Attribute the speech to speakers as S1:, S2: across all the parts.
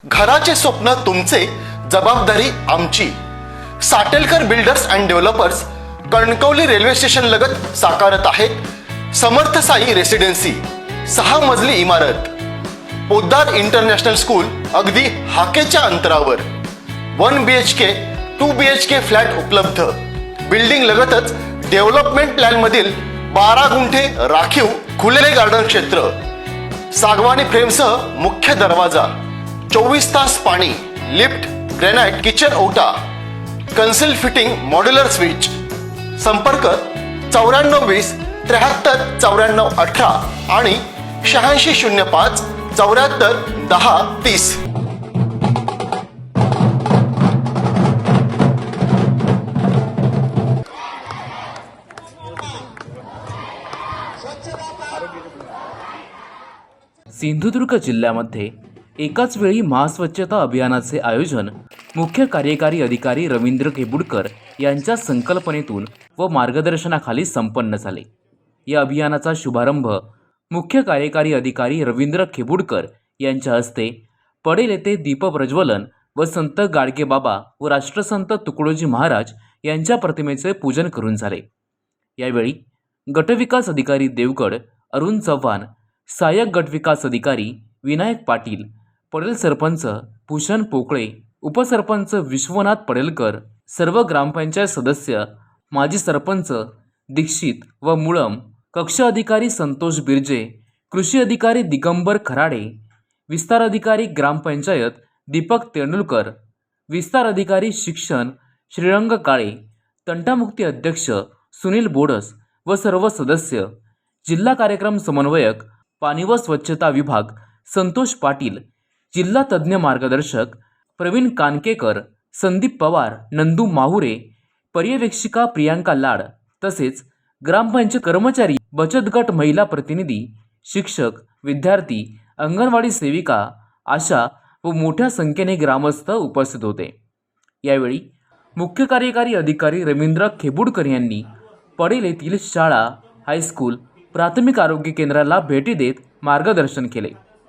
S1: घराचे स्वप्न तुमचे, जबाबदारी आमची। Satelkar builders and developers Kankavli railway station लगत साकारत आहेत समर्थ साई रेसिडेन्सी, 6 मजली इमारत, पोद्दार इंटरनॅशनल स्कूल अगदी हाकेच्या अंतरावर, 1 BHK 2 BHK फ्लॅट उपलब्ध। बिल्डिंग लगतच डेव्हलपमेंट प्लॅन मधील 12 गुंठे राखीव खुले गार्डन क्षेत्र, सागवानी फ्रेमसह मुख्य दरवाजा, 24 तास पाणी, लिफ्ट, ग्रेनाइट किचन ओटा, कन्सिल फिटिंग मॉड्युलर स्विच। संपर्क 9420 73 94 18 आणि 8605 74 10 30।
S2: सिंधुदुर्ग जिल्ह्यामध्ये एकाच वेळी महास्वच्छता अभियानाचे आयोजन मुख्य कार्यकारी अधिकारी रवींद्र खेबुडकर यांच्या संकल्पनेतून व मार्गदर्शनाखाली संपन्न झाले। या अभियानाचा शुभारंभ मुख्य कार्यकारी अधिकारी रवींद्र खेबुडकर यांच्या हस्ते पडेल येथे दीपप्रज्वलन व संत गाडगेबाबा व राष्ट्रसंत तुकडोजी महाराज यांच्या प्रतिमेचे पूजन करून झाले। यावेळी गटविकास अधिकारी देवगड अरुण चव्हाण, सहाय्यक गटविकास अधिकारी विनायक पाटील, पडेल सरपंच भूषण पोकळे, उपसरपंच विश्वनाथ पडेलकर, सर्व ग्रामपंचायत सदस्य, माजी सरपंच दीक्षित व मुळम, कक्ष अधिकारी संतोष बिर्जे, कृषी अधिकारी दिगंबर खराडे, विस्तार अधिकारी ग्रामपंचायत दीपक तेंडुलकर, विस्तार अधिकारी शिक्षण श्रीरंग काळे, तंटामुक्ती अध्यक्ष सुनील बोडस व सर्व सदस्य, जिल्हा कार्यक्रम समन्वयक पाणी व स्वच्छता विभाग संतोष पाटील, जिल्हा तज्ज्ञ मार्गदर्शक प्रवीण कानकेकर, संदीप पवार, नंदू माहुरे, पर्यवेक्षिका प्रियांका लाड, तसेच ग्रामपंचायत कर्मचारी, बचत गट महिला प्रतिनिधी, शिक्षक, विद्यार्थी, अंगणवाडी सेविका, आशा व मोठ्या संख्येने ग्रामस्थ उपस्थित होते। यावेळी मुख्य कार्यकारी अधिकारी रवींद्र खेबुडकर यांनी पडेल येथील शाळा, हायस्कूल, प्राथमिक आरोग्य केंद्राला भेटी देत मार्गदर्शन केले।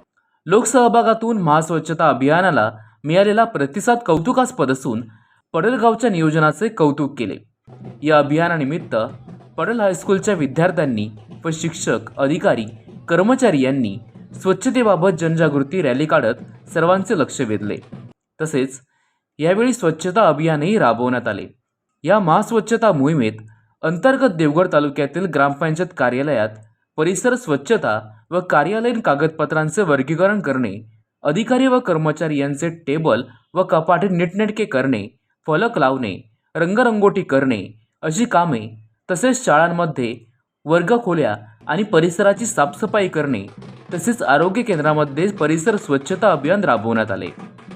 S2: लोकसहभागातून महास्वच्छता अभियानाला मिळालेला प्रतिसाद कौतुकास्पद असून पडेलगावच्या नियोजनाचे कौतुक केले। या अभियानानिमित्त पडेल हायस्कूलच्या विद्यार्थ्यांनी व शिक्षक, अधिकारी, कर्मचारी यांनी स्वच्छतेबाबत जनजागृती रॅली काढत सर्वांचे लक्ष वेधले। तसेच यावेळी स्वच्छता अभियानही राबवण्यात आले। या महास्वच्छता मोहिमेत अंतर्गत देवगड तालुक्यातील ग्रामपंचायत कार्यालयात परिसर स्वच्छता व कार्यालयीन कागदपत्रांचे वर्गीकरण करणे, अधिकारी व कर्मचारी यांचे टेबल व कपाटे नीटनेटके करणे, फलक लावणे, रंगरंगोटी करणे अशी कामे, तसेच शाळांमध्ये वर्गखोल्या आणि परिसराची साफसफाई करणे, तसेच आरोग्य केंद्रामध्ये परिसर स्वच्छता अभियान राबवण्यात आले।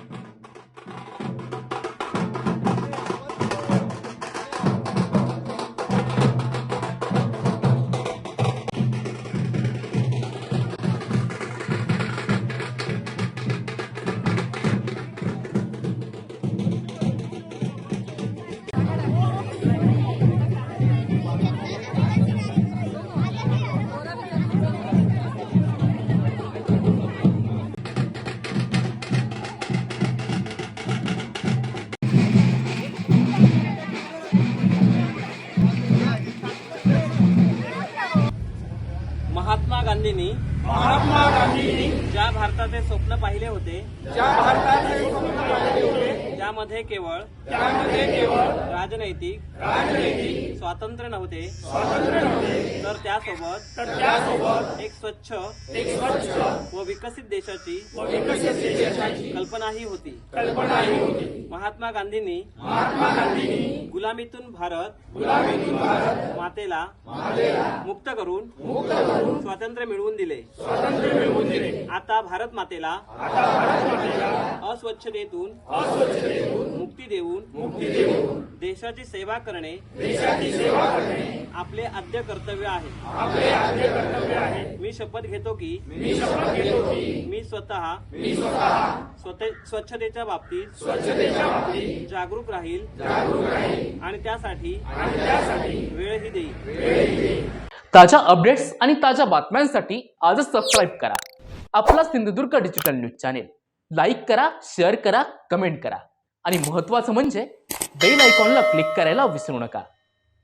S3: महात्मा गांधींनी ज्या भारताचे स्वप्न पाहिले होते, त्यामध्ये केवळ राजनैतिक स्वातंत्र्य नव्हते, तर त्यासोबत एक स्वच्छ व विकसित देशाची कल्पनाही होती। महात्मा गांधींनी गुलामीतून भारत मातेला मुक्त करून स्वातंत्र्य मिळवून दिले। आता भारत मातेला अस्वच्छतेतून मुक्ती देऊन देशाची सेवा करणे आपले आद्य कर्तव्य आहे। मी शपथ घेतो की मी स्वतः स्वच्छतेच्या बाबतीत जागरूक राहील आणि त्यासाठी वेळही देईल।
S4: ताज्या अपडेट्स आणि ताज्या बातम्यांसाठी आजच सबस्क्राईब करा आपला Sindhudurg digital news channel. Like करा, शेअर करा, कमेंट करा आणि महत्त्वाचं म्हणजे बेल आयकॉनला क्लिक करायला विसरू नका.